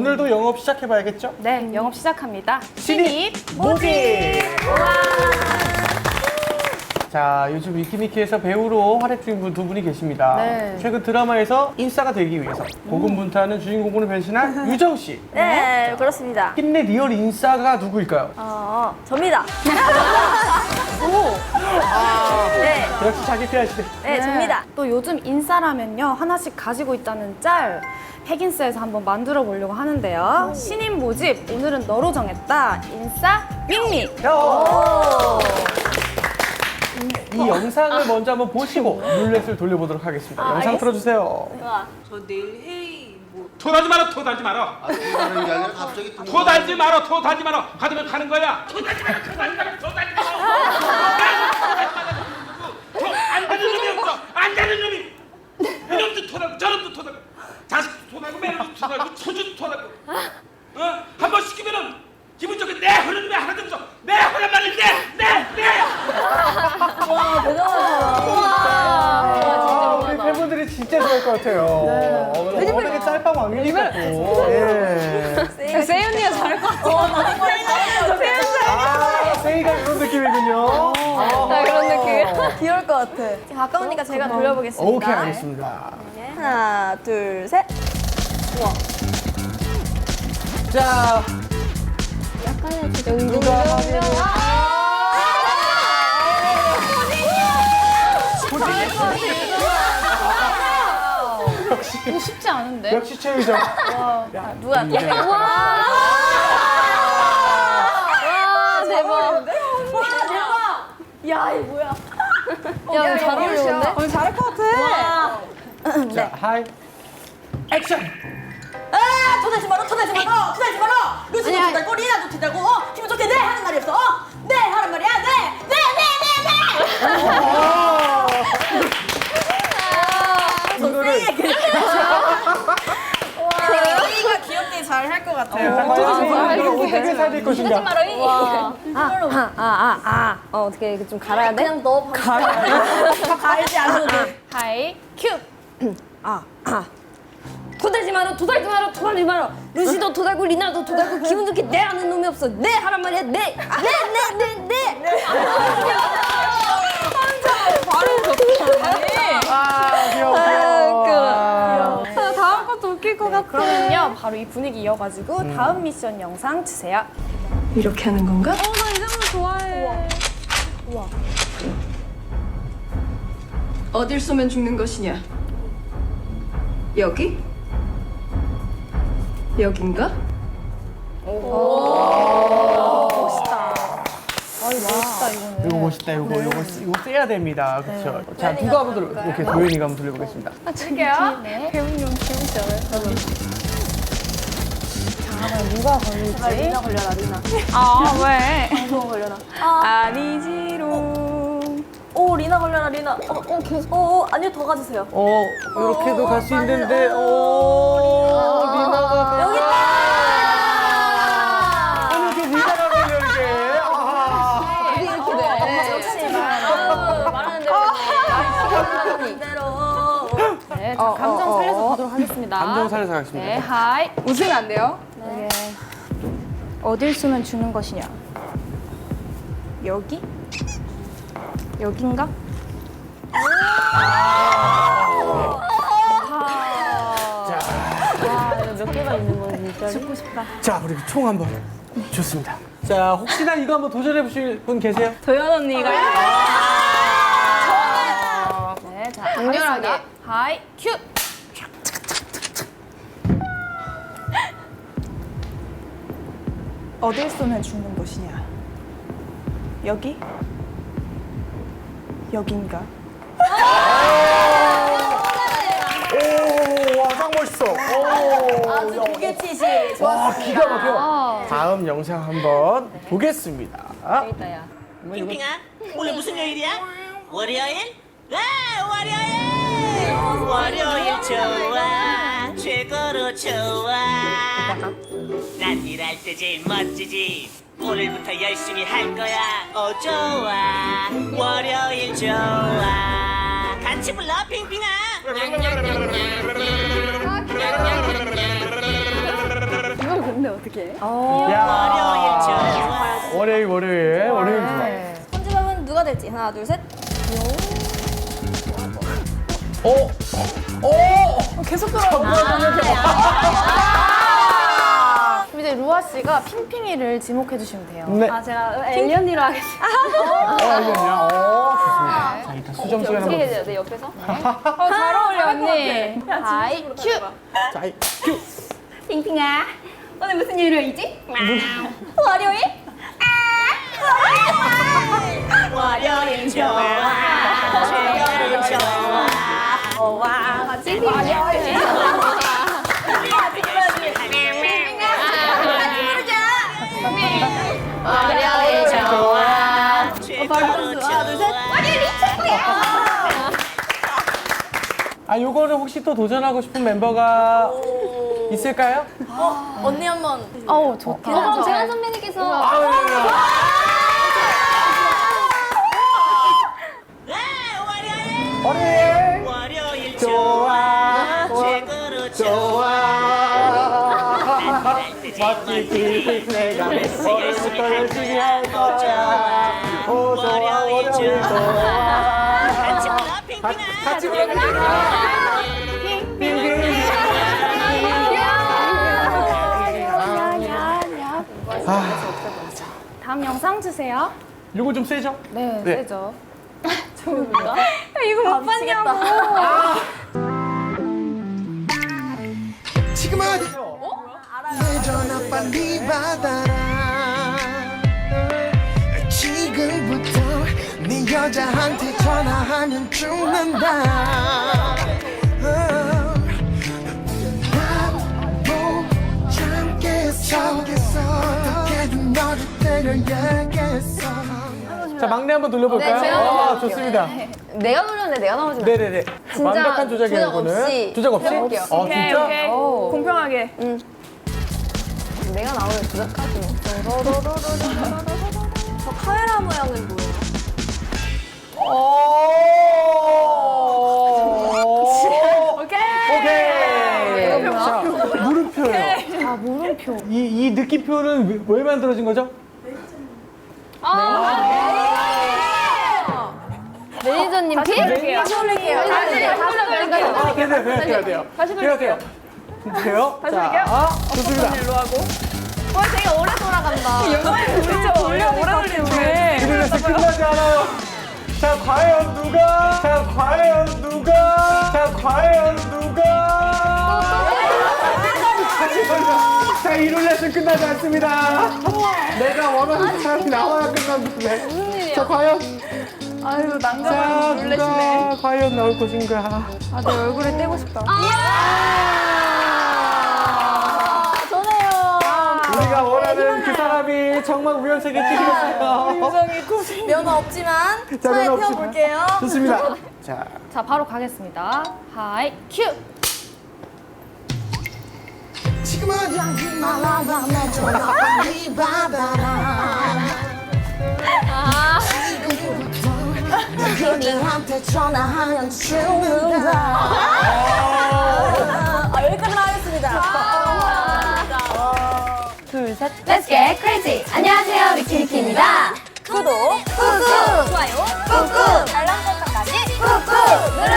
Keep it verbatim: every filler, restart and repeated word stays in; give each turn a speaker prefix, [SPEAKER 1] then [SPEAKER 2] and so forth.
[SPEAKER 1] 오늘도 영업 시작해봐야겠죠?
[SPEAKER 2] 네, 영업 시작합니다.
[SPEAKER 1] 신입 모집! 자, 요즘 위키미키에서 배우로 활약 중인 분 두 분이 계십니다.
[SPEAKER 2] 네.
[SPEAKER 1] 최근 드라마에서 인싸가 되기 위해서 고군분투하는 주인공으로 변신한 유정 씨.
[SPEAKER 3] 네, 그렇습니다.
[SPEAKER 1] 힘내 리얼 인싸가 누구일까요?
[SPEAKER 3] 어, 접니다.
[SPEAKER 1] 아,
[SPEAKER 3] 네,
[SPEAKER 1] 역시 자기 피하시네.
[SPEAKER 3] 네, 접니다.
[SPEAKER 2] 또 요즘 인싸라면요, 하나씩 가지고 있다는 짤. 핵인싸에서 한번 만들어 보려고 하는데요. 신인 모집, 오늘은 너로 정했다. 인싸 밍밍.
[SPEAKER 1] 야! 이 영상을 먼저 한번 보시고 룰렛을 돌려보도록 하겠습니다.
[SPEAKER 3] 아,
[SPEAKER 1] 영상
[SPEAKER 3] 알겠습니다.
[SPEAKER 1] 틀어주세요.
[SPEAKER 3] 좋아.
[SPEAKER 4] 저 내일 회의 뭐
[SPEAKER 5] 토달지 마라, 토달지 마라.
[SPEAKER 6] 아, 통화하는 게 아니라 갑자기 통화.
[SPEAKER 5] 토달지 마라, 토달지 마라. 가두면 가는 거야. 토달지 마라, 토달지 마라, 토달지 마라. 토안 되는 놈이 없어. 안 되는 놈이. 이놈도 토달고 저놈도 토달고 자식도 토달고 매너도 토달고 손주도 토달고. 어? 한 번 시키면은 기분 좋게 내 하는 놈이 하나도 없어. 내 하란 말이 내, 내, 내.
[SPEAKER 3] 와, 대단하다.
[SPEAKER 1] 아, 우리 팬분들이 진짜 좋아할 것 같아요. 어, 워낙에 짤방 왕이니까. 예.
[SPEAKER 2] 세이 언니가 잘할 것 같아.
[SPEAKER 1] 아, 세이가 이런 느낌이군요.
[SPEAKER 2] 네, 그런 느낌.
[SPEAKER 3] 귀여울 것 같아. 가까우니까 제가 돌려보겠습니다.
[SPEAKER 1] 오케이, 알겠습니다.
[SPEAKER 3] 하나, 둘, 셋.
[SPEAKER 1] 자, 누가 하면 역시
[SPEAKER 2] 이거 쉽지 않은데?
[SPEAKER 1] 역시 최유정.
[SPEAKER 3] 누가? 와, 대박. 대박. 야, 이 뭐야?
[SPEAKER 2] 야, 잘 어울리는데?
[SPEAKER 3] 오늘 잘할 것 같아.
[SPEAKER 1] 자, 하이. 액션.
[SPEAKER 7] 아, 토달지 마라, 토달지 마라, 토달지 마라. 루시도
[SPEAKER 2] 아니,
[SPEAKER 7] 토달고, 리나도 토달고, 어, 기분 좋게 네 하는 말이 없어. 어, 네 하는 말이야, 네, 네, 네, 네, 네.
[SPEAKER 1] 이거를
[SPEAKER 3] 세이가 귀엽게 잘 할 것 같아요.
[SPEAKER 1] 이걸 어떻게 살릴 것인가?
[SPEAKER 3] 와.
[SPEAKER 2] 아, 아, 아, 아. 어, 어떻게 이렇게 좀 갈아야 돼?
[SPEAKER 3] 그냥 넣어 봐.
[SPEAKER 7] 갈지 않아도 돼.
[SPEAKER 2] 하이, 큐.
[SPEAKER 8] 토달지 마라, 토달지 마라, 토달지 마라. 루시도 토달고 리나도 토달고 기분 좋게 내 하는 놈이 없어. 내 하란 말이야, 내, 내, 내, 내, 내.
[SPEAKER 1] 아, 귀여워, 귀여워.
[SPEAKER 2] 아, 다음 것도 웃길 것 같아. 그러면요, 바로 이 분위기 이어가지고 다음 미션 영상 주세요.
[SPEAKER 8] 이렇게 하는 건가?
[SPEAKER 2] 어, 나 이 장면 좋아해.
[SPEAKER 8] 어딜 쏘면 죽는 것이냐? 여기? 여긴가?
[SPEAKER 1] 이거 멋있다, 이거, 이거, 이거 세야 됩니다. 그렇죠. 자, 누가 한번 돌려, 이렇게 도현이가 한번 돌려보겠습니다.
[SPEAKER 2] 아, 저게요? 네. 배우님 재밌지 않아요? 자, 누가 걸릴지.
[SPEAKER 3] 리나 걸려라, 리나.
[SPEAKER 2] 아, 왜?
[SPEAKER 3] 방송 걸려라.
[SPEAKER 2] 아니지롱.
[SPEAKER 3] 오, 리나 걸려라, 리나. 어, 어, 계속. 어, 어, 아니요, 더 가주세요.
[SPEAKER 1] 어, 이렇게도 갈 수 있는데, 오, 리나가.
[SPEAKER 3] 여기 있다!
[SPEAKER 1] 아니, 이렇게 리나가 걸려, 이게. 아하.
[SPEAKER 3] 이렇게 돼. 말하는 대로. 이대로.
[SPEAKER 2] 네, 자, 감정 살려서 가도록 하겠습니다.
[SPEAKER 1] 감정 살려서 가겠습니다.
[SPEAKER 2] 네, 하이.
[SPEAKER 8] 웃으면 안 돼요?
[SPEAKER 2] 네. 어딜 쏘면 죽는 것이냐? 여기? 여긴가?
[SPEAKER 3] 몇 개가 있는 거지, 진짜.
[SPEAKER 2] 죽고 싶다.
[SPEAKER 1] 자, 우리 총 한번. 좋습니다. 자, 혹시나 이거 한번 도전해보실 분 계세요?
[SPEAKER 3] 도현 언니가.
[SPEAKER 2] 네, 자, 강렬하게. 하이, 큐.
[SPEAKER 9] 어딜 쏘면 죽는 곳이냐? 여기? 여긴가?
[SPEAKER 1] 오, 와, 딱 멋있어. 오,
[SPEAKER 3] 아주 무게치시.
[SPEAKER 1] 와, 기가 막혀. 다음 영상 한번 보겠습니다.
[SPEAKER 7] 빙빙아, 오늘 무슨 요일이야? 월요일? 아, 월요일! 월요일 좋아, 최고로 좋아. 난 일할 때 제일 멋지지. 오늘부터 열심히 할 거야. 어, 좋아. 월요일 좋아. 같이 불러, 빙빙아.
[SPEAKER 2] 근데 어떻게?
[SPEAKER 1] 야, 월요일, 월요일, 월요일 좋아.
[SPEAKER 3] 손지밥은 누가 될지 하나 둘 셋.
[SPEAKER 1] 오, 오,
[SPEAKER 2] 계속 돌아오고. 그럼 이제 루아 씨가 핑핑이를 지목해 주시면 돼요.
[SPEAKER 1] 네.
[SPEAKER 2] 아, 제가 엘리언니로 하겠습니다.
[SPEAKER 1] 어, 알겠냐? 오, 좋습니다. 자, 일단 수정 시간 한번.
[SPEAKER 2] 해줘야 돼, 옆에서. 어, 잘 어울려, 언니. 하이, 큐.
[SPEAKER 1] 자, 이, 큐.
[SPEAKER 3] 핑핑아 오늘 무슨 요일이지? 월요일? 월요일 좋아 월요일 좋아 오와 같이 월요일 월요일 좋아 월요일이 최고야.
[SPEAKER 1] 아, 요거는 혹시 또 도전하고 싶은 멤버가 있을까요?
[SPEAKER 3] 언니 한번
[SPEAKER 2] 어우, 좋다.
[SPEAKER 8] 그럼 재환 선배님께서
[SPEAKER 1] 아, 네, 네, 네. 월요일, 월요일 좋아, 좋아. 멋지지, 내가 오늘부터 열심히 할 거야. 오, 좋아, 월요일 좋아. 같이, 같이
[SPEAKER 2] 다음 영상 주세요.
[SPEAKER 1] 요거 좀 세죠?
[SPEAKER 2] 네,
[SPEAKER 1] 네.
[SPEAKER 2] 세죠.
[SPEAKER 3] 이거 못 봤냐고.
[SPEAKER 10] 지금 어디 내 전화 빨리 받아라 지금부터 네 여자한테 전화하면 죽는다 난못 참겠어 어떻게든 너를 때려야겠어.
[SPEAKER 1] 자, 막내 한번 돌려볼까요?
[SPEAKER 8] 네, 제가
[SPEAKER 1] 아,
[SPEAKER 8] 돌려볼게요.
[SPEAKER 1] 좋습니다.
[SPEAKER 8] 내가 노렸는데 내가 나오지 마.
[SPEAKER 1] 네네네. 완벽한 조작이에요,
[SPEAKER 8] 조작
[SPEAKER 1] 이거는.
[SPEAKER 8] 없이
[SPEAKER 1] 조작 없이?
[SPEAKER 8] 해볼게요.
[SPEAKER 1] 아, 진짜?
[SPEAKER 2] 공평하게.
[SPEAKER 8] 내가 나오는 조작까지.
[SPEAKER 3] 저 카메라 모양은 뭐예요?
[SPEAKER 1] 오케이. 오케이. 자, 물음표예요.
[SPEAKER 2] 아, 물음표.
[SPEAKER 1] 이, 이 느낌표는 왜, 왜 만들어진 거죠?
[SPEAKER 8] 매니저님 피?
[SPEAKER 2] 다시 올릴게요.
[SPEAKER 8] 다시
[SPEAKER 2] 다시 올릴게요.
[SPEAKER 1] 아, 돼요, 돼요, 돼요, 돼요.
[SPEAKER 2] 다시
[SPEAKER 1] 돼요, 돼요. 돼요?
[SPEAKER 2] 다시
[SPEAKER 1] 자,
[SPEAKER 2] 할게요?
[SPEAKER 1] 아, 좋습니다.
[SPEAKER 2] 일로 하고. 와, 되게 오래 돌아간다. 영상이 우리 오래 오래 걸리네.
[SPEAKER 1] 이래서 끝나지 않아요. 자, 과연 누가? 자, 과연 누가? 자, 과연 누가? 자, 이룰 레슨 끝나지 않습니다. 내가 원하는 사람이 나와야 끝났는데. 자, 과연?
[SPEAKER 2] 아유,
[SPEAKER 1] 자,
[SPEAKER 2] 난감한 룰렛이네.
[SPEAKER 1] 누가 과연 나올 것인가?
[SPEAKER 2] 아, 내 얼굴에 떼고 싶다.
[SPEAKER 1] 우리가 원하는 그 사람이 정말 우연찮게 찍혔어요.
[SPEAKER 3] 면허 없지만
[SPEAKER 1] 자,
[SPEAKER 3] 차에
[SPEAKER 1] 면허 없지만.
[SPEAKER 3] 태워볼게요.
[SPEAKER 1] 좋습니다. 자,
[SPEAKER 2] 자, 바로 가겠습니다. 하이, 큐!
[SPEAKER 10] 지금 어디 말아봐 내 전화 빨리 받아라 지금부터 내 여자한테 전화하면 죽는다.
[SPEAKER 3] 아, 여기까지만 하겠습니다.
[SPEAKER 2] 둘, 셋.
[SPEAKER 8] Let's get crazy. 안녕하세요, 위키위키입니다.
[SPEAKER 3] 구독 꾹꾹 좋아요 꾹꾹 알람 설정까지 꾹꾹 눌러